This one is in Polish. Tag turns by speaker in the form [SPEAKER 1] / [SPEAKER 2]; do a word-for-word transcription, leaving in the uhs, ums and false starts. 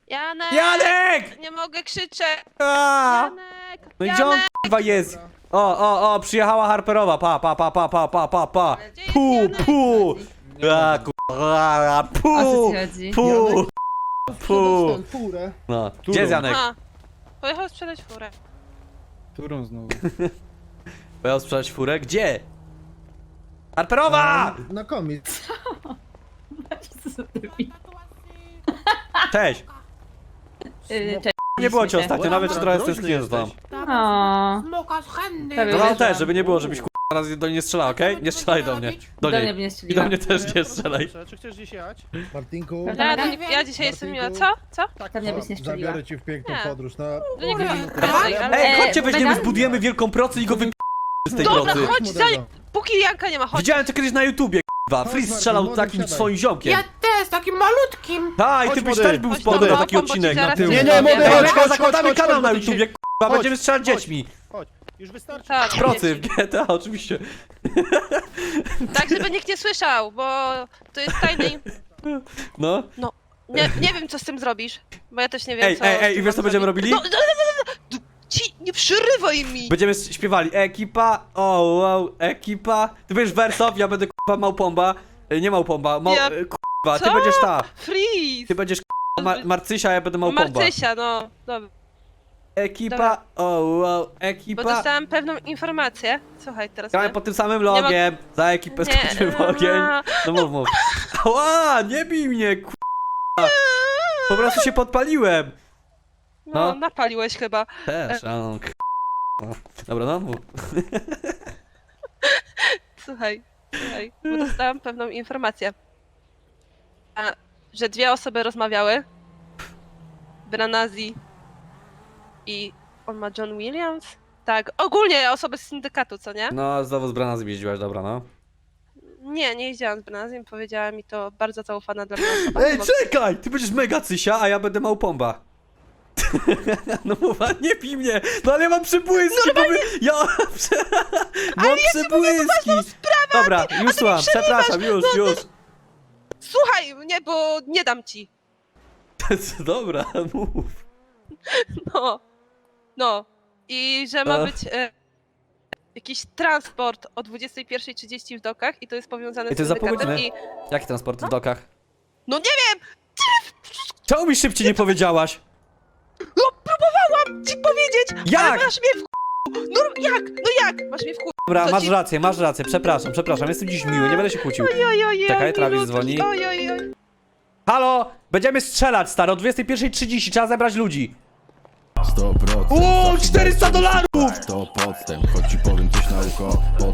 [SPEAKER 1] Janek!
[SPEAKER 2] Janek!
[SPEAKER 1] Nie mogę krzyczeć!
[SPEAKER 2] A!
[SPEAKER 1] Janek!
[SPEAKER 2] No i gdzie on
[SPEAKER 1] Janek!
[SPEAKER 2] k***wa jest? O, o, o, przyjechała Harperowa, pa, pa, pa, pa, pa, pa, pa, pa.
[SPEAKER 1] Gdzie jest
[SPEAKER 2] Pu,
[SPEAKER 1] Janek?
[SPEAKER 2] pu. A, k***a,
[SPEAKER 3] O co
[SPEAKER 2] pu,
[SPEAKER 3] ci chodzi?
[SPEAKER 2] pu, pu.
[SPEAKER 4] Sprzedać tę furę.
[SPEAKER 2] No, gdzie jest Janek?
[SPEAKER 1] A, pojechał sprzedać furę.
[SPEAKER 4] Którą znowu?
[SPEAKER 2] Pojechał sprzedać furę? Gdzie? Harperowa!
[SPEAKER 4] Na komiks.
[SPEAKER 2] Cześć.
[SPEAKER 3] Yy, Cześć.
[SPEAKER 2] Nie było cię
[SPEAKER 3] się.
[SPEAKER 2] ostatnio, nawet się trochę stęskniłem z tam.
[SPEAKER 3] O,
[SPEAKER 5] Smoka z chętny.
[SPEAKER 3] Prawie
[SPEAKER 2] No ale
[SPEAKER 3] Wjeżdżam.
[SPEAKER 2] też, żeby nie było, żebyś k***a raz do niej nie strzelał, okej? Nie strzelaj do mnie. Do
[SPEAKER 3] do mnie by
[SPEAKER 2] niej.
[SPEAKER 3] nie
[SPEAKER 2] I do
[SPEAKER 3] strzeliła.
[SPEAKER 2] mnie też nie strzelaj.
[SPEAKER 6] Czy chcesz gdzieś jechać?
[SPEAKER 4] Martinku,
[SPEAKER 3] Prawda?
[SPEAKER 1] Ja,
[SPEAKER 3] Martinku?
[SPEAKER 1] ja dzisiaj jestem miła. Co? Co?
[SPEAKER 3] Pewnie byś nie strzeliła.
[SPEAKER 4] zabiorę cię w piękną
[SPEAKER 1] Nie.
[SPEAKER 4] podróż na...
[SPEAKER 1] Do niego
[SPEAKER 5] Ej,
[SPEAKER 1] dalej, ale...
[SPEAKER 2] Ej,
[SPEAKER 3] E,
[SPEAKER 2] chodźcie, weźmiemy,
[SPEAKER 3] Vegan?
[SPEAKER 2] zbudujemy wielką procę i go wyp... z tej
[SPEAKER 1] Dobra,
[SPEAKER 2] procy.
[SPEAKER 1] chodź, za... póki Janka nie ma, chodź.
[SPEAKER 2] Widziałem to kiedyś na YouTubie, k***wa.
[SPEAKER 4] Chodź,
[SPEAKER 2] Freeze
[SPEAKER 4] Martin,
[SPEAKER 2] strzelał
[SPEAKER 4] młody,
[SPEAKER 2] takim
[SPEAKER 4] wsiadaj.
[SPEAKER 2] swoim ziomkiem.
[SPEAKER 5] Ja też, takim malutkim.
[SPEAKER 2] Tak, i ty
[SPEAKER 6] Chodź,
[SPEAKER 2] byś
[SPEAKER 6] młody.
[SPEAKER 2] też był
[SPEAKER 1] Chodź
[SPEAKER 2] spodem
[SPEAKER 1] do
[SPEAKER 2] na
[SPEAKER 1] domu,
[SPEAKER 2] taki
[SPEAKER 1] bo
[SPEAKER 2] odcinek
[SPEAKER 1] ci
[SPEAKER 2] na
[SPEAKER 1] zaraz
[SPEAKER 2] tył.
[SPEAKER 6] Nie,
[SPEAKER 1] coś
[SPEAKER 6] nie, młody,
[SPEAKER 1] powiem.
[SPEAKER 2] Ej,
[SPEAKER 6] chodź,
[SPEAKER 2] Mega,
[SPEAKER 6] chodź,
[SPEAKER 2] zakładamy
[SPEAKER 6] chodź,
[SPEAKER 2] kanał
[SPEAKER 6] chodź,
[SPEAKER 2] na
[SPEAKER 6] bo ty się-
[SPEAKER 2] YouTubie, k***wa,
[SPEAKER 6] Chodź,
[SPEAKER 2] będziemy strzelać
[SPEAKER 6] chodź.
[SPEAKER 2] dziećmi.
[SPEAKER 6] Chodź, już wystarczy.
[SPEAKER 1] Tak.
[SPEAKER 2] Z procy w G T A, oczywiście.
[SPEAKER 1] Tak, żeby nikt nie słyszał, bo to jest tajny...
[SPEAKER 2] No.
[SPEAKER 1] Nie, nie wiem, co z tym zrobisz, bo ja też nie wiem,
[SPEAKER 2] Ej,
[SPEAKER 1] co...
[SPEAKER 2] ej, ej, i
[SPEAKER 1] co
[SPEAKER 2] wiesz, co
[SPEAKER 1] mam
[SPEAKER 2] będziemy
[SPEAKER 1] zrobić.
[SPEAKER 2] robili?
[SPEAKER 1] No, no, no, no, no, ci, nie przerywaj mi!
[SPEAKER 2] Będziemy śpiewali ekipa, o wow, ekipa. Ty będziesz wersow, ja będę k***a małpomba. E, Nie małpomba, mał...
[SPEAKER 1] Ja-
[SPEAKER 2] e, k***wa, ty
[SPEAKER 1] Co?
[SPEAKER 2] będziesz ta.
[SPEAKER 1] Freeze!
[SPEAKER 2] Ty będziesz k***a ma Marcysia, ja będę małpomba.
[SPEAKER 1] Marcysia, no, dobra.
[SPEAKER 2] Ekipa,
[SPEAKER 1] Dobra.
[SPEAKER 2] o wow,
[SPEAKER 1] Bo
[SPEAKER 2] ekipa.
[SPEAKER 1] dostałam pewną informację. Słuchaj, teraz...
[SPEAKER 2] Gramy
[SPEAKER 1] powiem.
[SPEAKER 2] pod tym samym logiem, za ekipę
[SPEAKER 1] Nie,
[SPEAKER 2] skoczymy w ogień.
[SPEAKER 1] a,
[SPEAKER 2] No mów, mów. Ała, nie bij mnie, k***a. Po prostu się podpaliłem.
[SPEAKER 1] No,
[SPEAKER 2] no.
[SPEAKER 1] napaliłeś chyba.
[SPEAKER 2] Też, a no, k***a. Dobra, no mów.
[SPEAKER 1] Słuchaj, słuchaj, bo dostałam pewną informację. A, że dwie osoby rozmawiały. Branazi i on ma John Williams? Tak, ogólnie osoby z syndykatu, co nie?
[SPEAKER 2] No, znowu z Brana zjeździłaś, dobra, no.
[SPEAKER 1] Nie, nie jeździłam z Branazim, powiedziała mi to bardzo zaufana dla mnie osoba.
[SPEAKER 2] Ej,
[SPEAKER 1] Bo-
[SPEAKER 2] czekaj! Ty będziesz mega cysia, a ja będę małpomba. No mowa, nie pij mnie! No ale ja mam przybłyski, bo my... Ja... Mam przybłyski! Dobra, już słucham, przepraszam, już, już.
[SPEAKER 1] Słuchaj mnie, bo nie dam ci.
[SPEAKER 2] Dobra, mów.
[SPEAKER 1] No, no. I że ma
[SPEAKER 2] Ach.
[SPEAKER 1] być e, jakiś transport o dwudziestej pierwszej trzydzieści w dokach i to jest powiązane
[SPEAKER 2] I to
[SPEAKER 1] z
[SPEAKER 2] jest za pół
[SPEAKER 1] syndykatem
[SPEAKER 2] godziny.
[SPEAKER 1] i...
[SPEAKER 2] Jaki transport w dokach?
[SPEAKER 1] No nie wiem!
[SPEAKER 2] Czemu mi szybciej nie powiedziałaś?
[SPEAKER 1] No próbowałam ci powiedzieć!
[SPEAKER 2] Jak?
[SPEAKER 1] Ale masz mnie w k***u. No jak? No jak? Masz mnie w k***u.
[SPEAKER 2] Dobra,
[SPEAKER 1] Co
[SPEAKER 2] masz
[SPEAKER 1] ci-
[SPEAKER 2] rację, masz rację, przepraszam, przepraszam, jestem dziś miły, nie będę się kłócił.
[SPEAKER 1] Oj, oj, oj,
[SPEAKER 2] Czekaj,
[SPEAKER 1] oj,
[SPEAKER 2] Travis
[SPEAKER 1] milutki.
[SPEAKER 2] dzwoni.
[SPEAKER 1] Oj, oj, oj.
[SPEAKER 2] Halo! Będziemy strzelać, stary, o dwudziestej pierwszej trzydzieści, trzeba zebrać ludzi.
[SPEAKER 7] sto procent.
[SPEAKER 2] O, czterysta dolarów!
[SPEAKER 7] To podstęp, choć ci powiem coś na ucho.